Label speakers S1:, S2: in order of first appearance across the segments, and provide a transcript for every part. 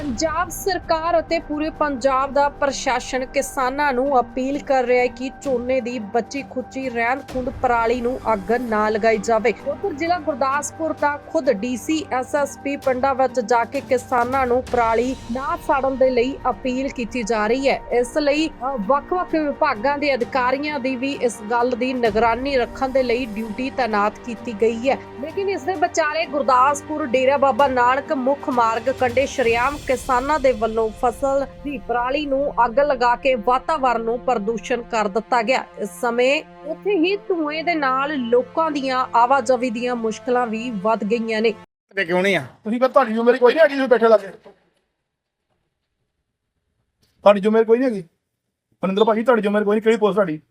S1: ਪੰਜਾਬ ਸਰਕਾਰ ਅਤੇ ਪੂਰੇ ਪੰਜਾਬ ਦਾ ਪ੍ਰਸ਼ਾਸਨ ਕਿਸਾਨਾਂ ਨੂੰ ਅਪੀਲ ਕਰ ਰਿਹਾ ਹੈ ਕਿ ਝੋਨੇ ਦੀ ਬਚੀ ਖੁੱਚੀ ਰਹਿੰਦ ਖੂੰਹਦ ਪਰਾਲੀ ਨੂੰ ਅੱਗ ਨਾ ਲਗਾਈ ਜਾਵੇ। ਉੱਧਰ ਜ਼ਿਲ੍ਹਾ ਗੁਰਦਾਸਪੁਰ ਦਾ ਖੁਦ ਡੀਸੀ ਐਸਐਸਪੀ ਪਿੰਡਾਂ ਵਿੱਚ ਜਾ ਕੇ ਕਿਸਾਨਾਂ ਨੂੰ ਪਰਾਲੀ ਨਾ ਸਾੜਨ ਦੇ ਲਈ ਅਪੀਲ ਕੀਤੀ ਜਾ ਰਹੀ ਹੈ। ਇਸ ਲਈ ਵੱਖ-ਵੱਖ ਵਿਭਾਗਾਂ ਦੇ ਅਧਿਕਾਰੀਆਂ ਦੀ ਵੀ ਇਸ ਗੱਲ ਦੀ ਨਿਗਰਾਨੀ ਰੱਖਣ ਦੇ ਲਈ ਡਿਊਟੀ ਤਾਇਨਾਤ ਕੀਤੀ ਗਈ ਹੈ। ਲੇਕਿਨ ਇਸ ਦੇ ਵਿਚਾਲੇ ਗੁਰਦਾਸਪੁਰ ਡੇਰਾ ਬਾਬਾ ਨਾਨਕ ਮੁੱਖ ਮਾਰਗ ਕੰਢੇ ਸ਼ਰੇਆਮ ਕਿਸਾਨਾਂ ਦੇ ਵੱਲੋਂ ਫਸਲ ਦੀ ਪਰਾਲੀ ਨੂੰ ਅੱਗ ਲਗਾ ਕੇ ਵਾਤਾਵਰਣ ਨੂੰ ਪ੍ਰਦੂਸ਼ਣ ਕਰ ਦਿੱਤਾ ਗਿਆ। ਇਸ ਸਮੇਂ ਉੱਥੇ ਹੀ ਧੂਏ ਦੇ ਨਾਲ ਲੋਕਾਂ ਦੀਆਂ ਆਵਾਜਾਈ ਦੀਆਂ ਮੁਸ਼ਕਲਾਂ ਵੀ ਵੱਧ ਗਈਆਂ ਨੇ।
S2: ਤੇ ਕਿਉਂ ਨਹੀਂ ਆ
S3: ਤੁਸੀਂ ਫਿਰ ਤੁਹਾਡੀ ਜ਼ਿੰਮੇਵਾਰੀ ਕੋਈ ਨਹੀਂ ਹੈਗੀ ਤੁਸੀਂ ਬੈਠੇ ਲੱਗੇ ਤੁਹਾਡੀ ਜ਼ਿੰਮੇਵਾਰੀ ਕੋਈ ਨਹੀਂ ਹੈਗੀ ਮਨਿੰਦਰ ਭਾਜੀ ਤੁਹਾਡੀ ਜ਼ਿੰਮੇਵਾਰੀ ਕੋਈ ਨਹੀਂ ਕਿਹੜੀ ਪੋਸਟ ਤੁਹਾਡੀ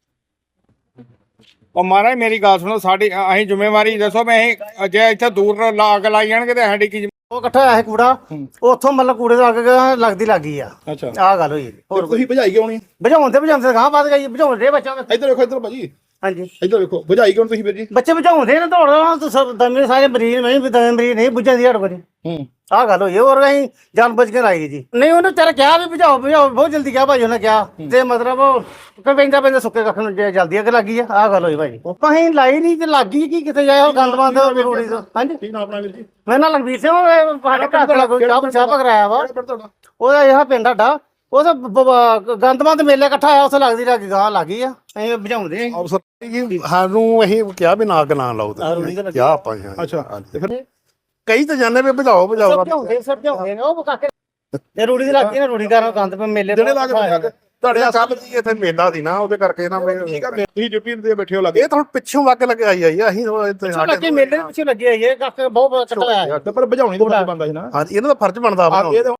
S2: ਉਹ ਮਹਾਰਾਜ ਮੇਰੀ ਗੱਲ ਸੁਣੋ ਸਾਡੀ ਅਸੀਂ ਜ਼ਿੰਮੇਵਾਰੀ ਦੱਸੋ ਮੈਂ ਅਸੀਂ ਜੇ ਇੱਥੇ ਦੂਰ ਅੱਗ ਲਾਈ ਜਾਣਗੇ ਤੇ ਸਾਡੀ ਕੀ
S4: ਉਹ ਇਕੱਠਾ ਹੋਇਆ ਸੀ ਕੂੜਾ ਉੱਥੋਂ ਮਤਲਬ ਕੂੜੇ ਤੋਂ ਅੱਗ ਲੱਗਦੀ ਲੱਗੀ ਆ।
S3: ਅੱਛਾ
S4: ਆਹ ਗੱਲ ਹੋਈ
S3: ਹੋਰ ਤੁਸੀਂ ਭਜਾਈ ਕਿਉਂ ਨਹੀਂ
S4: ਬੁਝਾਉਂਦੇ ਗਾਂ ਵੱਧ ਗਈ ਬੁਝਾਉਂਦੇ ਬੱਚਾ
S3: ਇੱਧਰ ਵੇਖੋ ਇੱਧਰ ਭਾਜੀ
S4: ਹਾਂਜੀ
S3: ਇੱਧਰ ਵੇਖੋ ਭਜਾਈ ਕਿਉਂ ਤੁਸੀਂ ਵੀਰ ਜੀ
S4: ਬੱਚੇ ਬੁਝਾਉਂਦੇ ਨੇ ਦੌੜ ਦਮੇ ਸਾਰੇ ਮਰੀਜ਼ ਨਹੀਂ ਦਮੇ ਮਰੀਜ਼ ਨਹੀਂ ਬੁਝਾਉਂਦੀ ਹੜ ਕੋਲ ਆਹ ਗੱਲ ਹੋਈ ਹੋਰ ਅਸੀਂ ਜਾਨ ਬੁੱਝ ਕੇ ਲਾਈ ਜੀ ਨਹੀਂ ਉਹਨੇ ਤੇਰਾ ਕਿਹਾ ਵੀ ਬੁਝਾਓ ਬਹੁਤ ਜਲਦੀ ਕਿਹਾ ਭਾਈ ਉਹਨੇ ਕਿਹਾ ਤੇ ਮਤਲਬ ਪੈਂਦਾ ਸੁੱਕੇ ਕੱਖ ਨੂੰ ਜਲਦੀ ਅੱਗ ਲੱਗੀ ਆ। ਆਹ ਗੱਲ ਹੋਈ ਭਾਈ ਅਸੀਂ ਲਾਈ ਨਹੀਂ ਤੇ ਲੱਗੀ ਕੀ ਕਿੱਥੇ ਜਾਏ ਉਹ ਗੰਦ ਬੰਦ ਰੋੜੀ ਤੋਂ। ਹਾਂਜੀ
S3: ਕੀ ਨਾਮ ਆਪਣਾ ਵੀਰ ਜੀ
S4: ਮੈਂ ਨਾਲ ਲਖਬੀਰ ਸਿੰਘ ਸਾਡੇ ਘਰ ਦਾ ਚਾਹ ਕਰਾਇਆ ਵਾ
S3: ਪਿੰਡ ਤੁਹਾਡਾ
S4: ਉਹਦਾ ਇਹ ਪਿੰਡ ਸਾਡਾ ਉਹ ਗੰਦਮੰਦ ਮੇਲੇ ਇਕੱਠਾ ਆਇਆ ਉੱਥੇ ਲੱਗਦੀ ਲੱਗੀ ਗਾਂ ਲੱਗੀ ਆ ਅਸੀਂ ਬੁਝਾਉਂਦੇ ਆ।
S5: ਅਫਸਰ ਜੀ ਸਾਨੂੰ ਅਸੀਂ ਕਿਹਾ ਵੀ ਨਾ ਅੱਗ ਨਾ ਲਾਓ ਤੇ ਕਿਹਾ ਆਪਾਂ
S3: ਅੱਛਾ ਤੇ ਫਿਰ
S5: ਕਈ ਤਾਂ ਜਾਣੇ ਵੀ ਬੁਝਾਓ
S4: ਸਮਝਾਉਂਦੇ ਨੇ ਉਹ ਕਾਕੇ ਇਹ ਰੂੜੀ ਦੀ ਲੱਗਦੀ ਨਾ ਰੂੜੀ ਕਰਨ ਗੰਦ ਪੇ ਮੇਲੇ
S3: ਜਿਹੜੇ ਲੱਗ
S5: ਤੁਹਾਡੇ ਕੱਲ ਜੀ ਇੱਥੇ ਮੇਲਾ ਸੀ ਨਾ ਉਹਦੇ ਕਰਕੇ ਨਾ
S3: ਤੁਸੀਂ ਡਿਊਟੀ ਤੇ ਬੈਠੇ ਹੋ ਲੱਗੇ
S5: ਇਹ ਤਾਂ ਪਿੱਛੋਂ ਅੱਗ ਲਗਾਈ ਆਈ ਅਸੀਂ ਇੱਥੇ
S4: ਲੱਗੇ ਮੇਲੇ ਦੇ ਪਿੱਛੇ ਲੱਗੇ ਆਈ ਇਹ ਕਾਕੇ ਬਹੁਤ ਕੱਟਾ ਆਇਆ
S3: ਤੇ ਪਰ ਬੁਝਾਉਣੀ ਤਾਂ ਬੰਦਾ ਸੀ ਨਾ
S5: ਹਾਂਜੀ ਇਹਨਾਂ ਦਾ ਫਰਜ਼ ਬਣਦਾ ਵਾ